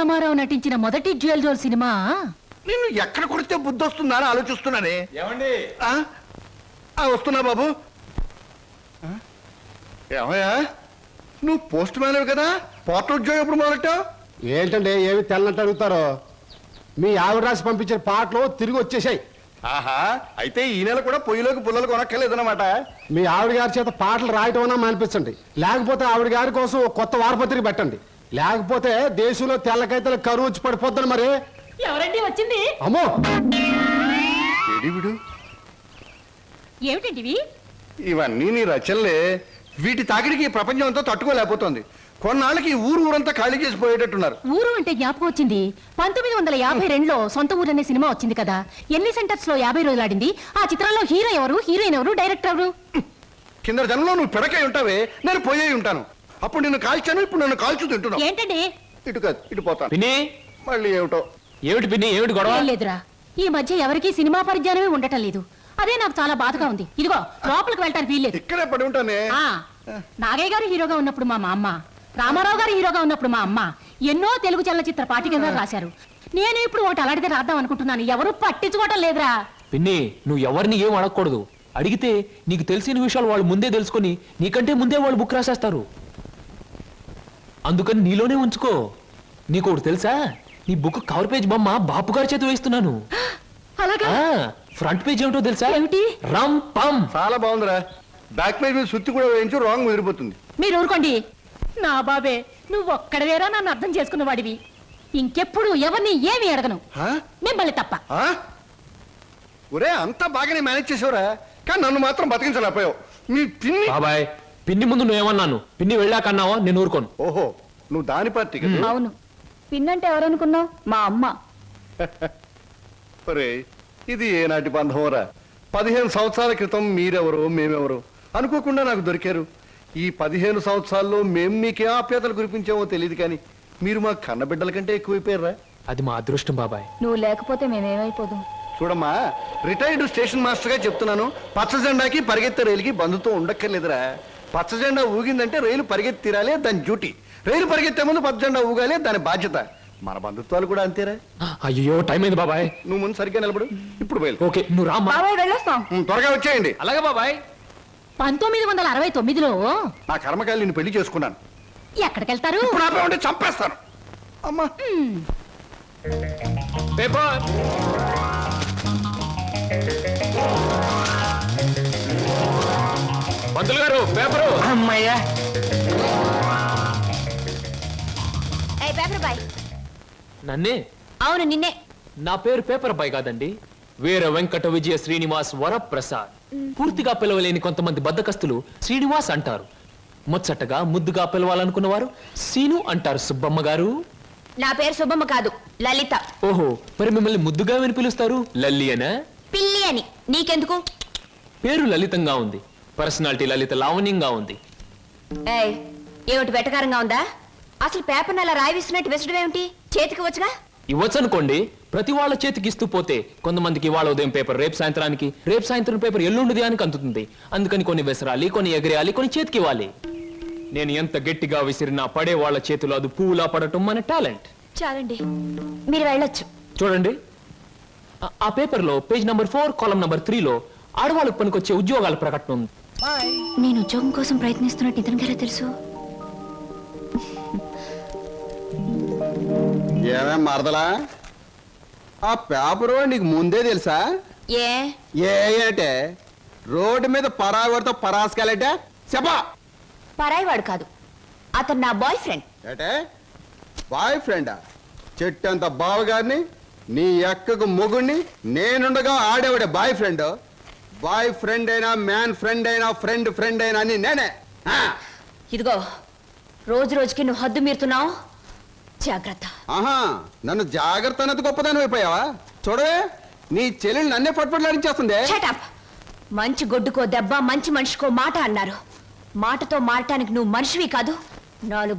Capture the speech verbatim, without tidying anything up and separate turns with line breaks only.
రామారావు నటించిన మొదటి dual role cinema.
నిన్ను ఎక్కడ కొడితే బుద్ధి వస్తుందా అని ఆలోచిస్తున్నానే.
ఏమండి
వస్తున్నా బాబు. ఏమయ్యా నువ్వు పోస్ట్ మ్యాన్ కదా, పోర్టల్ ఉద్యోగం ఎప్పుడు మొదలెట్టావు?
ఏంటండి ఏమి తెల్లంటే అడుగుతారో? మీ ఆవిడ రాసి పంపించిన పాటలు తిరిగి వచ్చేసాయి.
ఆహా, అయితే ఈ నెల కూడా పొయ్యిలోకి పుల్లలు కొనక్కర్లేదన్నమాట.
మీ ఆవిడ గారి చేత పాటలు రాయటం అన్నా మానిపించండి, లేకపోతే ఆవిడ గారి కోసం కొత్త వారపత్రిక పెట్టండి, లేకపోతే దేశంలో తెల్లకైతే కరువు వచ్చి పడిపోద్దని. మరి
ఎవరండి వచ్చింది?
అమ్మో
విడు
ఏమిటండి
ఇవన్నీ నీ రచనలే. వీటి తాకిడికి ప్రపంచం అంతా తట్టుకోలేకపోతుంది. కొన్నాళ్ళకి ఊరు ఊరంతా ఖాళీ చేసి పోయేటట్టున్నారు.
ఊరు అంటే జ్ఞాపకం వచ్చింది. పంతొమ్మిది వందల యాభై రెండులో సొంత ఊరు అనే సినిమా వచ్చింది కదా, ఎన్ని సెంటర్స్ లో యాభై రోజులు ఆడింది. ఆ చిత్రంలో హీరో ఎవరు, హీరోయిన్ ఎవరు, డైరెక్టర్ ఎవరు?
కింద జనంలో నువ్వు పిడకై ఉంటావే, నేను పోయే ఉంటాను. అప్పుడు నిన్ను కాల్చాను, ఇప్పుడు నన్ను కాల్చు తింటున్నావు.
ఏంటండి?
ఇటు కాదు ఇటు పోతాను.
పిన్ని
మళ్ళీ ఏమిటో.
ఏమిటి పిన్ని, ఏమిటి గొడవ?
లేదురా, ఈ మధ్య ఎవరికి సినిమా పరిజ్ఞానమే ఉండటం లేదు. అదే నాకు చాలా బాధగా ఉంది. ఇదిగో లోపలికి వెళ్ళటానికి వీల్లేదు.
ఇక్కడే పడి ఉంటానే.
నాగయ్య గారు హీరోగా ఉన్నప్పుడు మా అమ్మ, రామారావు గారు హీరోగా ఉన్నప్పుడు మా అమ్మ ఎన్నో తెలుగు చలనచిత్ర పాఠ్యగ్రంథాలు రాశారు. నేను ఇప్పుడు ఒకటి అలాంటిదే రాద్దాం అనుకుంటున్నాను. ఎవరు పట్టించుకోవటం లేదురా.
పిన్ని నువ్వు ఎవరిని ఏం అడగకూడదు. అడిగితే నీకు తెలిసిన విషయాలు వాళ్ళు ముందే తెలుసుకొని నీకంటే ముందే వాళ్ళు బుక్ రాసేస్తారు. అందుకని నీలోనే ఉంచుకో. నీకు ఒకటి తెలుసా, నీ బుక్ కవర్ పేజ్ బొమ్మ బాపు గారి చేతి వేస్తున్నాను.
అలాగా?
ఫ్రంట్ పేజ్ ఏమిటో తెలుసా?
ఏమిటి?
రమ్ పమ్.
చాలా బాగుందిరా. బ్యాక్ పేజ్ మీద సుత్తి కూడా వేయించు, రాంగ్ ముదిరిపోతుంది.
మీరు ఊరుకోండి. నా బాబే, నువ్వు ఒక్కడవేరా నన్ను అర్థం చేసుకున్న వాడివి. ఇంకెప్పుడు ఎవరిని ఏమి అడగను, మిమ్మల్ని తప్ప.
ఒరే అంతా బాగానే మేనేజ్ చేసావురా, కానీ నన్ను మాత్రం బతికించలేకపోయావు. మీ పిన్ని
బాబాయ్, పిన్ని ముందు నువ్వేమన్నాను, పిన్ని వెళ్ళాకన్నావా నేను ఊరుకోను.
ఓహో, నువ్వు దాని పార్టీ కదా.
అవును, పిన్నంటే ఎవరనుకున్నావు? మా అమ్మ.
ఒరే ఇది ఏనాటి బంధంరా. పదిహేను సంవత్సరాల క్రితం మీరెవరో మేమెవరో అనుకోకుండా నాకు దొరికారు. ఈ పదిహేను సంవత్సరాల్లో మేము మీకే ఆప్యాతలు కురిపించామో తెలియదు, కానీ మీరు మా కన్నబిడ్డల కంటే ఎక్కువైపోయారా.
అది మా అదృష్టం బాబాయ్.
నువ్వు లేకపోతే మేమేమైపోదు.
చూడమ్మా, రిటైర్డ్ స్టేషన్ మాస్టర్ గా చెప్తున్నాను, పచ్చ జెండాకి పరిగెత్తే రైలుకి బంధుత్వం ఉండక్కర్లేదురా. పచ్చ జెండా ఊగిందంటే రైలు పరిగెత్తి తీరాలి, దాని డ్యూటీ. రైలు పరిగెత్తే ముందు పచ్చ జెండా ఊగాలి, దాని బాధ్యత. మన బంధుత్వాలు కూడా అంతేరా.
అయ్యో టైం అయింది బాబాయ్.
నువ్వు ముందు సరిగ్గా నిలబడు, ఇప్పుడు బయలు.
ఓకే నువ్వు రామ్మా.
త్వరగా వచ్చేయండి.
అలాగే బాబాయ్.
పంతొమ్మిది వందల అరవై తొమ్మిదిలో
నా కర్మకాయలు నేను పెళ్లి చేసుకున్నాను.
ఎక్కడికెళ్తారు?
ఇప్పుడు ఆపే ఉంటే చంపేస్తాను. అమ్మా
పేపర్. పంతులు గారు పేపరు.
అమ్మయ్యా.
నన్నే?
అవును నిన్నే.
నా పేరు పేపర్ బాయ్ కాదండి, వీర వెంకట విజయ శ్రీనివాస్ వరప్రసాద్. పూర్తిగా పిలవలేని కొంతమంది బద్దకస్తులు శ్రీనివాస్ అంటారు. ముచ్చటగా ముద్దుగా పిలవాలనుకున్న వారు సీను అంటారు. సుబ్బమ్మ గారు.
నా పేరు సుబ్బమ్మ కాదు, లలిత.
ఓహో, మరి మిమ్మల్ని ముద్దుగా విని పిలుస్తారు లల్లి అనా?
పిల్లి అని. నీకెందుకు?
పేరు లలితంగా ఉంది, పర్సనాలిటీ లలిత లావణ్యంగా ఉంది.
ఏమిటి వెటకారంగా ఉందా? అసలు పేపర్ అలా రాయిస్తున్నట్టు విసడం ఏమిటి? చేతికి వచ్చుగా.
ఇవ్వచ్చు అనుకోండి, ప్రతి వాళ్ళ చేతికి ఇస్తూ పోతే కొంతమందికి ఇవాళ ఉదయం పేపర్ రేపు సాయంత్రానికి, రేపు సాయంత్రం పేపర్ ఎల్లుండి దానికి అందుతుంది. అందుకని కొన్ని విసరాలి, కొన్ని ఎగరేయాలి, కొన్ని చేతికి ఇవ్వాలి. నేను ఎంత గట్టిగా విసిరినా పడే వాళ్ళ చేతిలో అది పువ్వులా పడటం మన టాలెంట్.
చాలండి, మీరు వెళ్ళొచ్చు.
చూడండి, ఆ పేపర్ లో పేజ్ నంబర్ ఫోర్ కాలం నంబర్ త్రీలో ఆడవాళ్ళకు పనికొచ్చే ఉద్యోగాల ప్రకటన ఉంది.
నేను ఉద్యోగం కోసం ప్రయత్నిస్తున్నట్టు ఇతనికెలా తెలుసు?
ఏమేం మరదలా, ఆ పేపరు నీకు ముందే తెలుసా?
ఏ
ఏంటే రోడ్డు మీద పరాయివాడితో పరాసుకెళ్ళటే చెప్పా.
పరాయివాడు కాదు, అతను నా బాయ్ ఫ్రెండ్.
ఏటే బాయ్ ఫ్రెండా? చెట్టంత బావగారిని, నీ ఎక్కకు మొగుణ్ణి, నేనుండగా ఆడేవాడే బాయ్ ఫ్రెండ్. బాయ్ ఫ్రెండ్ అయినా, మ్యాన్ ఫ్రెండ్ అయినా, ఫ్రెండ్ ఫ్రెండ్ అయినా అని నేనే.
ఇదిగో, రోజు రోజుకి నువ్వు హద్దు మీరుతున్నావు, జాగ్రత్త.
ఆహా, నన్ను జాగ్రత్త అన్నది గొప్పదాని అయిపోయావా? చూడవే, నీ చెల్లెలు నన్నే పట్టుపట్లాడించేస్తుంది.
మంచి గొడ్డుకో దెబ్బ, మంచి మనిషికో మాట అన్నారు. మాటతో మారటానికి నువ్వు మనిషివి కాదు. నాలుగు